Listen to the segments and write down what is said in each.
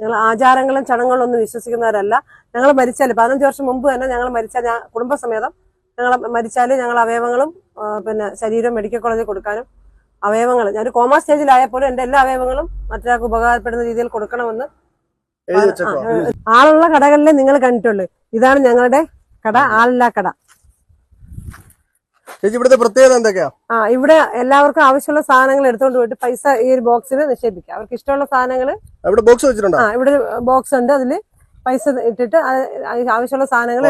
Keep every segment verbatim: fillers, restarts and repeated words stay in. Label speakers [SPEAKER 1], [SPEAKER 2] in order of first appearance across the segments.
[SPEAKER 1] ഞങ്ങൾ ആചാരങ്ങളും ചടങ്ങുകളും ഒന്നും വിശ്വസിക്കുന്നവരല്ല. ഞങ്ങൾ മരിച്ചാൽ പതിനഞ്ച് വർഷം മുമ്പ് തന്നെ ഞങ്ങൾ മരിച്ചാൽ ഞാൻ കുടുംബസമേതം ഞങ്ങൾ മരിച്ചാൽ ഞങ്ങൾ അവയവങ്ങളും പിന്നെ ശരീരം മെഡിക്കൽ കോളേജിൽ കൊടുക്കാനും അവയവങ്ങൾ ഞാനൊരു കോമാ സ്റ്റേജിലായപ്പോലും എന്റെ എല്ലാ അവയവങ്ങളും മറ്റൊരാൾക്ക് ഉപകാരപ്പെടുന്ന രീതിയിൽ കൊടുക്കണമെന്ന് ആളുള്ള കടകളിലെ നിങ്ങൾ കണ്ടിട്ടുള്ളൂ. ഇതാണ് ഞങ്ങളുടെ കട, ആളില്ലാ കട.
[SPEAKER 2] ഇവിടുത്തെ പ്രത്യേകത എന്തൊക്കെയാ? ആ
[SPEAKER 1] ഇവിടെ എല്ലാവർക്കും ആവശ്യമുള്ള സാധനങ്ങൾ എടുത്തുകൊണ്ട് പോയിട്ട് പൈസ ഈ ഒരു ബോക്സിൽ നിക്ഷേപിക്കാം. അവർക്ക് ഇഷ്ടമുള്ള സാധനങ്ങൾ
[SPEAKER 2] ഇവിടെ ബോക്സ് വെച്ചിട്ടുണ്ടോ?
[SPEAKER 1] ആ ഇവിടെ ബോക്സ് ഉണ്ട്, അതില് പൈസ ഇട്ടിട്ട് ആവശ്യമുള്ള സാധനങ്ങൾ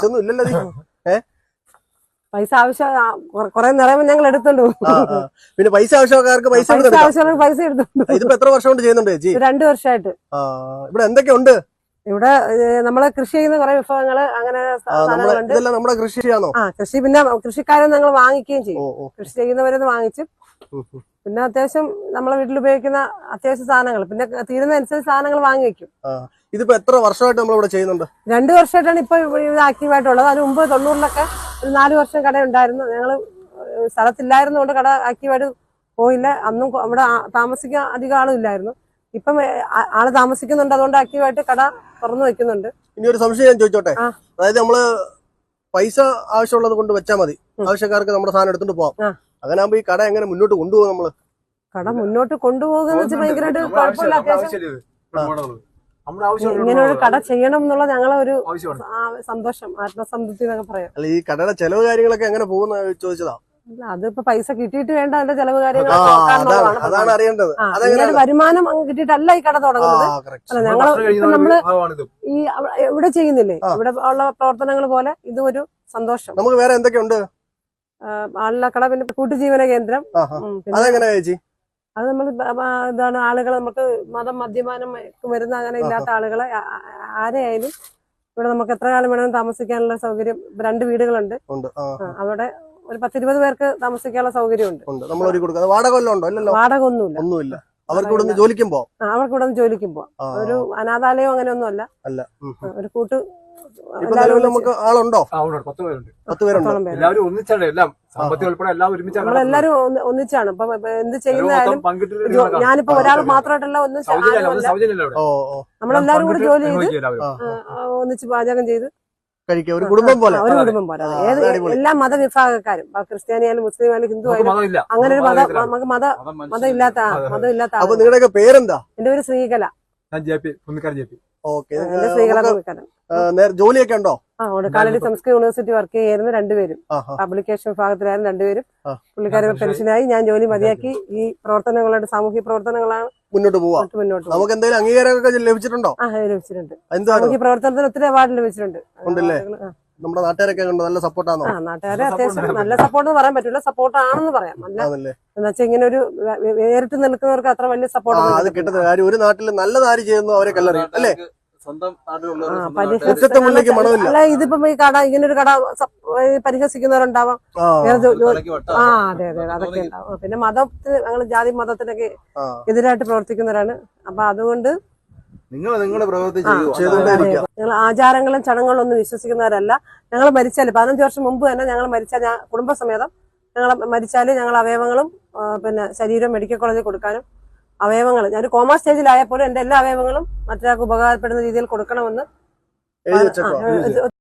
[SPEAKER 1] പൈസ ആവശ്യം കുറെ നിറയുമ്പോൾ ഞങ്ങൾ എടുത്തോണ്ട് പോകും.
[SPEAKER 2] പിന്നെ പൈസ ആവശ്യക്കാർക്ക് പൈസ
[SPEAKER 1] ആവശ്യമുള്ള പൈസ എടുത്തോണ്ട്.
[SPEAKER 2] ഇതിപ്പോ എത്ര വർഷം കൊണ്ട് ചെയ്യുന്നുണ്ട് ചേച്ചി?
[SPEAKER 1] രണ്ടു വർഷമായിട്ട്.
[SPEAKER 2] ഇവിടെ എന്തൊക്കെയുണ്ട്?
[SPEAKER 1] ഇവിടെ നമ്മള് കൃഷി ചെയ്യുന്ന കുറെ വിഭവങ്ങള് അങ്ങനെ സാധനങ്ങളുണ്ട്.
[SPEAKER 2] നമ്മുടെ കൃഷിയാണോ?
[SPEAKER 1] ആ കൃഷി, പിന്നെ കൃഷിക്കാരെ ഞങ്ങൾ വാങ്ങിക്കുകയും ചെയ്യും. കൃഷി ചെയ്യുന്നവരെന്ന് വാങ്ങിച്ചു. പിന്നെ അത്യാവശ്യം നമ്മളെ വീട്ടിൽ ഉപയോഗിക്കുന്ന അത്യാവശ്യ സാധനങ്ങൾ, പിന്നെ തീരുന്ന അനുസരിച്ച് സാധനങ്ങൾ വാങ്ങി വെക്കും.
[SPEAKER 2] ഇതിപ്പോ എത്ര വർഷമായിട്ട് നമ്മളിവിടെ ചെയ്യുന്നുണ്ട്?
[SPEAKER 1] രണ്ടു വർഷമായിട്ടാണ് ഇപ്പൊ ഇത് ആക്റ്റീവായിട്ടുള്ളത്. അതിന് മുമ്പ് തൊണ്ണൂറിലൊക്കെ ഒരു നാല് വർഷം കട ഉണ്ടായിരുന്നു. ഞങ്ങള് സ്ഥലത്തില്ലായിരുന്നുകൊണ്ട് കട ആക്റ്റീവായിട്ട് പോയില്ല. അന്നും അവിടെ താമസിക്കാൻ അധികം ആളും ഇല്ലായിരുന്നു. ഇപ്പം ആള് താമസിക്കുന്നുണ്ട്, അതുകൊണ്ട് ആക്റ്റീവായിട്ട് കട തുറന്നു വെക്കുന്നുണ്ട്.
[SPEAKER 2] ഇനി ഒരു സംശയം ഞാൻ ചോദിച്ചോട്ടെ? അതായത് നമ്മള് പൈസ ആവശ്യമുള്ളത് കൊണ്ട് വെച്ചാൽ മതി, ആവശ്യക്കാർക്ക് നമ്മുടെ സാധനം എടുത്തോണ്ട് പോവാം. അങ്ങനെ ആകുമ്പോ ഈ കട എങ്ങനെ മുന്നോട്ട് കൊണ്ടുപോകും? നമ്മള് കട
[SPEAKER 1] മുന്നോട്ട് കൊണ്ടുപോകുന്ന വെച്ചാൽ ഭയങ്കരമായിട്ട് കുഴപ്പമില്ല. അത്യാവശ്യം ഇങ്ങനെ ഒരു കട ചെയ്യണം എന്നുള്ള ഞങ്ങളെ ഒരു സന്തോഷം, ആത്മസംതൃപ്തി എന്നൊക്കെ പറയാം.
[SPEAKER 2] അല്ല, ഈ കടയുടെ ചെലവ് കാര്യങ്ങളൊക്കെ എങ്ങനെ പോകുന്ന ചോദിച്ചതാ.
[SPEAKER 1] അതിപ്പോ പൈസ കിട്ടിയിട്ട് വേണ്ട അതിന്റെ ചെലവ് കാര്യങ്ങൾ.
[SPEAKER 2] അതാണ് അറിയേണ്ടത്.
[SPEAKER 1] വരുമാനം കിട്ടിയിട്ടല്ല ഈ കട തുടങ്ങുന്നത്. അല്ല, ഞങ്ങൾ ഇപ്പൊ നമ്മള് ഈ ഇവിടെ ചെയ്യുന്നില്ലേ, ഇവിടെ ഉള്ള പ്രവർത്തനങ്ങൾ പോലെ ഇത് ഒരു സന്തോഷം.
[SPEAKER 2] നമുക്ക് വേറെ എന്തൊക്കെയുണ്ട്?
[SPEAKER 1] ആളില്ലാ കട, പിന്നെ കൂട്ടുജീവന കേന്ദ്രം. അത് നമ്മൾ ഇതാണ് ആളുകൾ നമുക്ക് മതം മദ്യപാനം വരുന്ന അങ്ങനെ ഇല്ലാത്ത ആളുകളെ ആരെയായാലും ഇവിടെ നമുക്ക് എത്ര കാലം വേണമെങ്കിലും താമസിക്കാനുള്ള സൗകര്യം. രണ്ട് വീടുകളുണ്ട്. അവിടെ ഒരു പത്തിരുപത് പേർക്ക് താമസിക്കാനുള്ള സൗകര്യമുണ്ട്.
[SPEAKER 2] വാടക ഒന്നുമില്ല. അവർക്ക് ഇവിടെ നിന്ന് ജോലിക്കും പോവാം.
[SPEAKER 1] അവർക്ക് ഇവിടെ നിന്ന് ജോലിക്കും പോവാം. ഒരു അനാഥാലയം അങ്ങനെ ഒന്നും അല്ല. ഒരു കൂട്ട്
[SPEAKER 2] നമുക്ക് ആളുണ്ടോ?
[SPEAKER 1] പത്ത് പേരുണ്ട്. നമ്മളെല്ലാരും ഒന്നിച്ചാണ് ഇപ്പൊ എന്ത് ചെയ്യുന്നതായാലും. ഞാനിപ്പോ ഒരാൾ മാത്രമായിട്ടല്ല, ഒന്നിച്ച് നമ്മളെല്ലാരും കൂടി ജോലി ചെയ്ത് ഒന്നിച്ച് പാചകം ചെയ്ത്
[SPEAKER 2] കഴിക്കുക. ഒരു കുടുംബം പോലെ.
[SPEAKER 1] ഒരു കുടുംബം പോലെ. ഏത് എല്ലാ മതവിഭാഗക്കാരും, ക്രിസ്ത്യാനിയായാലും മുസ്ലിം ആയാലും ഹിന്ദു ആയാലും അങ്ങനെ ഒരു മത നമുക്ക് മത മതം ഇല്ലാത്ത മതം ഇല്ലാത്ത.
[SPEAKER 2] അപ്പൊ നിങ്ങളുടെയൊക്കെ പേരെന്താ?
[SPEAKER 1] എന്റെ പേര് ശ്രീകല.
[SPEAKER 2] ജോലിയൊക്കെ ഉണ്ടോ?
[SPEAKER 1] ആ കാലടി സംസ്കൃത യൂണിവേഴ്സിറ്റി വർക്ക് ചെയ്യായിരുന്നു രണ്ടുപേരും. പബ്ലിക്കേഷൻ വിഭാഗത്തിലായിരുന്നു രണ്ടുപേരും. പുള്ളിക്കാരെ പെൻഷനായി. ഞാൻ ജോലി മതിയാക്കി ഈ പ്രവർത്തനങ്ങളുടെ സാമൂഹ്യ പ്രവർത്തനങ്ങളാണ്
[SPEAKER 2] മുന്നോട്ട് പോവാം. മുന്നോട്ട് നമുക്ക് എന്തെങ്കിലും അംഗീകാരമൊക്കെ ലഭിച്ചിട്ടുണ്ടോ?
[SPEAKER 1] ആ ലഭിച്ചിട്ടുണ്ട്. സാമൂഹ്യ പ്രവർത്തനത്തിന് ഒത്തിരി അവാർഡ് ലഭിച്ചിട്ടുണ്ട്.
[SPEAKER 2] നമ്മുടെ നാട്ടുകാരൊക്കെ നല്ല സപ്പോർട്ടാണോ?
[SPEAKER 1] ആ നാട്ടുകാരെ അത്യാവശ്യം നല്ല സപ്പോർട്ട് എന്ന് പറയാൻ പറ്റില്ല, സപ്പോർട്ട് ആണെന്ന് പറയാം. നല്ല എന്ന് വെച്ചാൽ ഇങ്ങനെ ഒരു വേറിട്ട് നിൽക്കുന്നവർക്ക് അത്ര വലിയ സപ്പോർട്ട്
[SPEAKER 2] അത് കിട്ടുന്ന കാര്യം. ഒരു നാട്ടിൽ നല്ലതാര് ചെയ്യുന്നു അവരെ കല്ലറിയും അല്ലേ?
[SPEAKER 1] അല്ല, ഇതിപ്പം ഈ കട ഇങ്ങനെ ഒരു കട പരിഹസിക്കുന്നവരുണ്ടാവാം. ആ അതെ അതെ അതൊക്കെ ഉണ്ടാവും. പിന്നെ മതത്തിന് ഞങ്ങൾ ജാതി മതത്തിനൊക്കെ എതിരായിട്ട് പ്രവർത്തിക്കുന്നവരാണ്. അപ്പൊ അതുകൊണ്ട് ഞങ്ങൾ ആചാരങ്ങളും ചടങ്ങുകളും ഒന്നും വിശ്വസിക്കുന്നവരല്ല. ഞങ്ങൾ മരിച്ചാൽ പതിനഞ്ച് വർഷം മുമ്പ് തന്നെ ഞങ്ങൾ മരിച്ചാൽ ഞാൻ കുടുംബസമേതം ഞങ്ങൾ മരിച്ചാൽ ഞങ്ങൾ അവയവങ്ങളും പിന്നെ ശരീരം മെഡിക്കൽ കോളേജിൽ കൊടുക്കാനും അവയവങ്ങൾ ഞാനൊരു കോമാ സ്റ്റേജിലായപ്പോലും എന്റെ എല്ലാ അവയവങ്ങളും മറ്റൊരാൾക്ക് ഉപകാരപ്പെടുന്ന രീതിയിൽ കൊടുക്കണമെന്ന്